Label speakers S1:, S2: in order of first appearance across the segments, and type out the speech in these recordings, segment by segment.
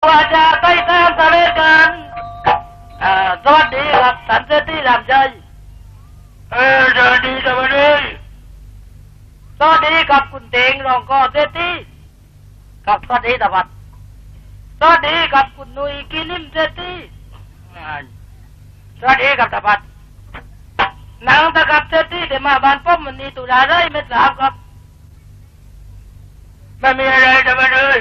S1: ว่าจะไปตามทะเลกันสวัสดีครับสันเสถีรามใจสวัสดีสวัสดีสวัสดีกับคุณเตงรองกอเศรษฐีกับสวัสดีตะวัดสวัสดีกับคุณนุยกิลิมเศรษฐีสวัสดีกับตะวัดนางตะกับเศรษฐีได้มาบ้านป้อมวันนี้ตุลาได้ไม่ทราบครับไม่มีอะไรจะมาเลย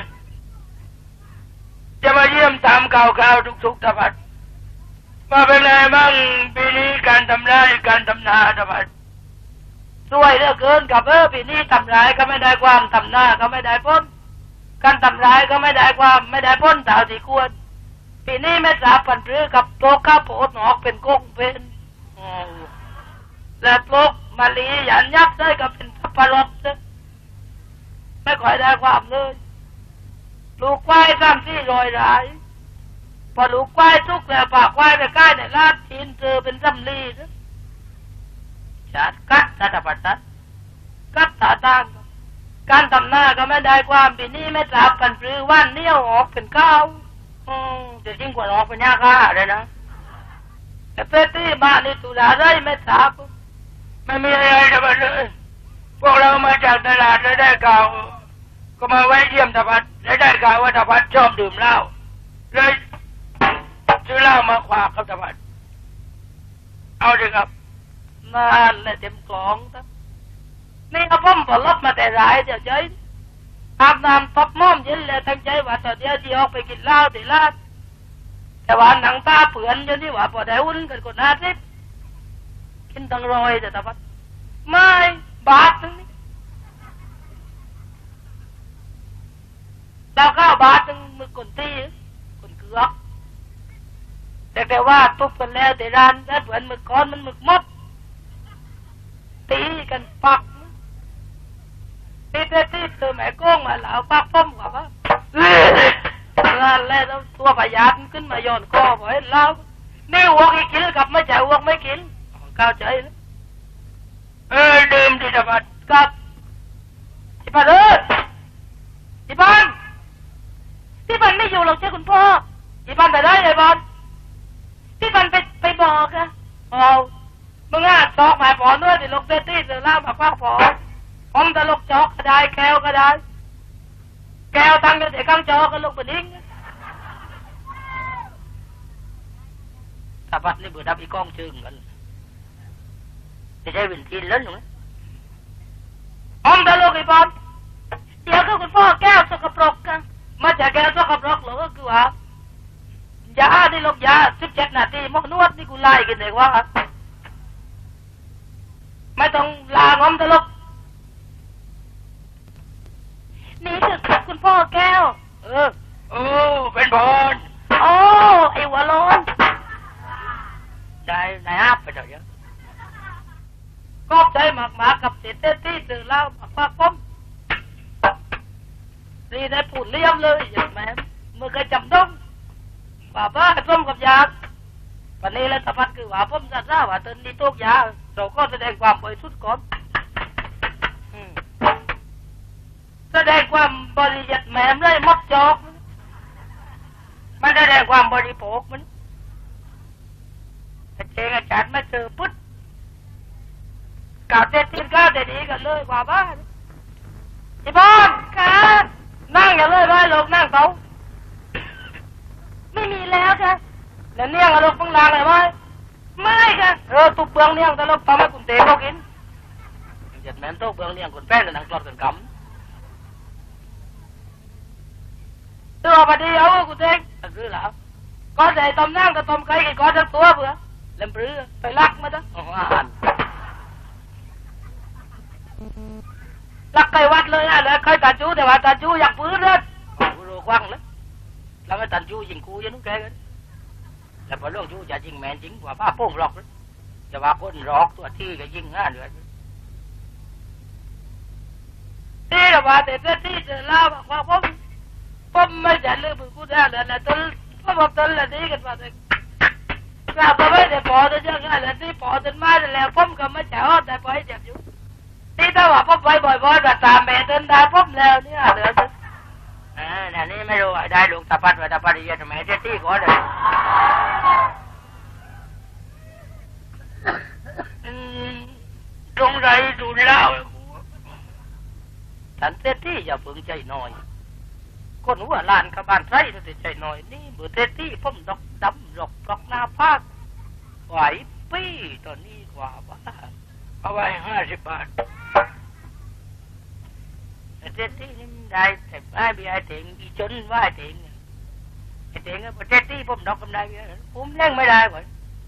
S1: จะมาเยี่ยมตามข่าวๆทุกๆตะวัดมาเป็นไงบ้างปีนี้การทำไร่การทำนาตะวัดสวยเหลือเกินกับปีนี้ทำไร่ก็ไม่ได้ความทำนาก็ไม่ได้พ้นการทำไร่ก็ไม่ได้ความไม่ได้พ้นตามที่ควรปีนี้ไม่ทราบปันหรือกับโรคข้าวโพดหนอกเป็นกงเป็นและโรคมาลีหยันยักษ์ได้ก็เป็นสับปะรดไม่ค่อยได้ความเลยลูกควาย3-400 รายพอลูกควายทุกแล้วปากควายไปใกล้ในลาดทินเจอเป็นสำลีจัดกัดตาปัดตัดกัดตาตั้งการทำหน้าก็ไม่ได้ความปีนี้ไม่ทราบกันหรือว่านเนี้ยวออกเป็นข้าวจะยิ่งกว่าออกเป็นยาฆ่าเลยนะแต่เพื่อที่มาในตุลาได้ไม่ทราบไม่มีอะไรจะมาเลยพวกเรามาจากตลาดแล้วได้ข่าวก็มาไว้เยี่ยมตาปัดแล้วได้ข่าวว่าตาปัดชอบดื่มเหล้าเลยซื้อเหล้ามาขวากครับตาปัดเอาดิครับนั่นแหละเต็มกล่องครับนี่ก็พ่อมปลดมาแต่หลายเดี๋ยวใจอาบน้ำตบม่อมเย็นเลยตั้งใจว่าตอนเดียวที่ออกไปกินเหล้าที่ลาดแต่ว่าหนังตาเปื่อนจนที่ว่าพอได้อุ่นกันคน50กินตั้ง100แต่ตาปัดไม่บาทนึงนี่ดาว9 บาทนึงมือคนตีคนเกือกแต่ว่าทุบกันแล้วแต่ร้านแล้วเหมือนมือก้อนมันมือมดตีกันปักตีตัวแม่โก้งมาแล้วปักป้อมกว่าว่าแล้วตัวพยาธิขึ้นมาย้อนคอบอกให้เล่านี่วัวกี่กินกับไม่ใช่วัวไม่กินเข้าใจแล้วดื่มดีจังบัดกับที่บ้านที่บ้านไม่อยู่หรอกเจ้าคุณพ่อที่บ้านไปได้เลยบอลที่บ้านไปบอกอะมึงตอกหมายผอเนื้อที่ลกเตตี้เสือล่ามาคว้าผอผมจะลกจอกก็ได้แก้วก็ได้แก้วตั้งอยู่ที่ข้างจอก็ลกเป็นดิ้งถ้าบัดนี่เบื่อดับอีกองจึงกันจะใช้วินทีนเล่นหรือผมจะลกอีบอลเดี๋ยวก็คุณพ่อแก้วสกปรกกันมาจากแก้วสกปรกหรือก็คือว่ายาที่ลกยา17 นาทีมกนวดนี่กูไล่กันเองว่าไม่ต้องลางอมตลกนี่คือคุณพ่อแก้วเป็นบอลไอ้หัวโลนได้นายอัพไปเถอะเยอะก็ใจหมากกับเศษที่เจอเล่าปากป้อมนี่ได้ผุนเลี้ยมเลยอย่างแม่เมื่อเคยจำต้องว่าป้าส้มกับยาวันนี้แล้วสะพัดคือว่าผมจะทราบว่าตอนนี้ทุกยาเราก็แสดงความบริสุทธิ์ก่อนแสดงความบริยัติแหมมเลยมดจอกมันแสดงความบริโภคมันเจงอาจารย์มาเจอพุทธกล่าวเด็ดทิ้งก้าวเด็ดดีกันเลยกว่าบ้านที่บ้านค่ะนั่งอย่าเลยไว้ลงนั่งเขาไม่มีแล้วค่ะแล้วเนี่ยงอารมณ์ฟังลางเลยไหมไม่ค่ะตุบเบืองเนี่ยงตลกทำให้คุณเต๋เขากินจัดแม่นโต๊ะเบืองเนี่ยงคนแป้งกันนักกรอดกันกำตัวพอดีเอาคุณเต๋คือแล้วก็ใส่ต้มนั่งกับต้มไก่กินก้อนทั้งตัวเบื่อเล่มปรือไปลักมาจ้ะลักไก่วัดเลยนะเลยเคยตัดจูแต่ว่าตัดจูอยากปื้อเลยรู้ควังเลยแล้วไม่ตัดจูยิงกูยังนุ่งแกกันแล้วพอเรื่องจูจะยิงแมนจริงกว่าป้าโป้งหลอกเลยจะว่าคนหลอกตัวที่ก็ยิงง่ายเลยที่เราว่าแต่ที่จะเล่าว่าผมไม่จะลืมกูได้เลยนะต้นต้นละนี้กันมาเลยกลับมาไม่ได้พอจะยังไงละที่พอจนมาแล้วผมก็ไม่จะอ้อนแต่พอให้เจ็บอยู่ที่ถ้าว่าผมไปบ่อยๆแบบตามแม่ต้นได้ผมแล้วเนี่ยเดี๋ยวอันนี้ไม่รู้ได้ลูกตาปัดว่าตาปัดเยอะทำไมเจ๊ตี้ก่อนเลยตรงไรดูเล่าฉันเจ๊ตี้อย่าเพิ่งใจน้อยคนหัวลานกับบ้านไร่ตัวใจน้อยนี่เบอร์เจ๊ตี้ผมดอกดำดอกดอกหน้าภาคไหวปี้ตอนนี้กว่าบ้าเอาไว้50 บาทเจ๊ตี้นี่ได้แต่ไม่มีไอ้เถิงอีจนว่าไอ้เถิงไอ้เถิงก็เจ๊ตี้ผมดอกกำไรผมเล่นไม่ได้หมด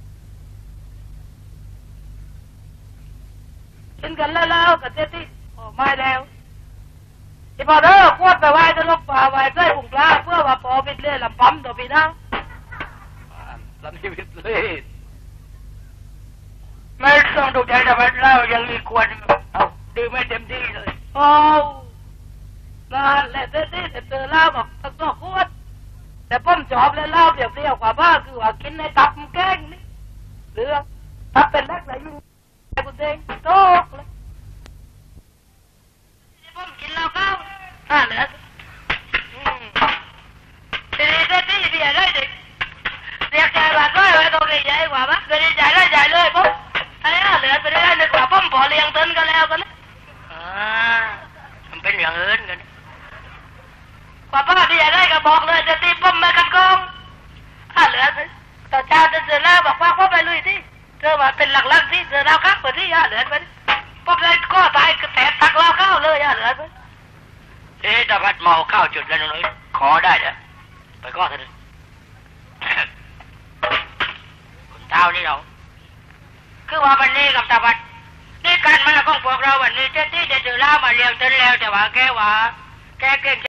S1: กินกันแล้วกับเจ๊ตี้ไม่แล้วที่พอเด้อขวดไปไว้จะลบป่าไว้ใส่ผงปลาเพื่อว่าพอพิษเล่ลำปั๊มตัวพี่นะลำชีวิตเลยไม่ต้องดูใจแต่ว่าเรายังมีควรเอาดื่มไม่เต็มที่เลยโอ้นั่นแหละเต้แต่เจอเหล้าบอกต้องขวดแต่ป้อมจอบแล้วเหล้าเปรี้ยวกว่าบ้าคือว่ากินในตับแกงนี่หรือถ้าเป็นเล็กเลยยุ่งไอ้กูเด้งโต๊ะเลยป้อมกินเหล้าเข้าเหลือทีนี้เต้ที่อะไรเด็กเรียกใจว่าร้อยไว้ตรงนี้ใหญ่กว่าบ้าก็ได้ใจเลยปุ๊บไอ้เหลือไปได้นึกว่าป้อมพอเลี้ยงเต้นก็แล้วกันมันเป็นอย่างอื่นกันกว่าป้าที่อยากได้ก็บอกเลยจะตีป้อมมากันกองเหลือต่อเช้าจะเจอแล้วบอกว่าพ่อไปลุยที่เจอว่าเป็นหลักๆที่เจอแล้วครับเปิดที่เหลือไปป้อมเลยก็ตายแต่ตักเราเข้าเลยเหลือไปตะพัดเมาเข้าจุดแล้วน้อยขอได้เด้อไปก็เถอะคุณเท้านี่เราคือว่าวันนี้กับตะพัดนี่การมาของพวกเราวันนี้เจ้าที่จะเจอเล่ามาเลี้ยงจนแล้วแต่ว่าแกเก่ง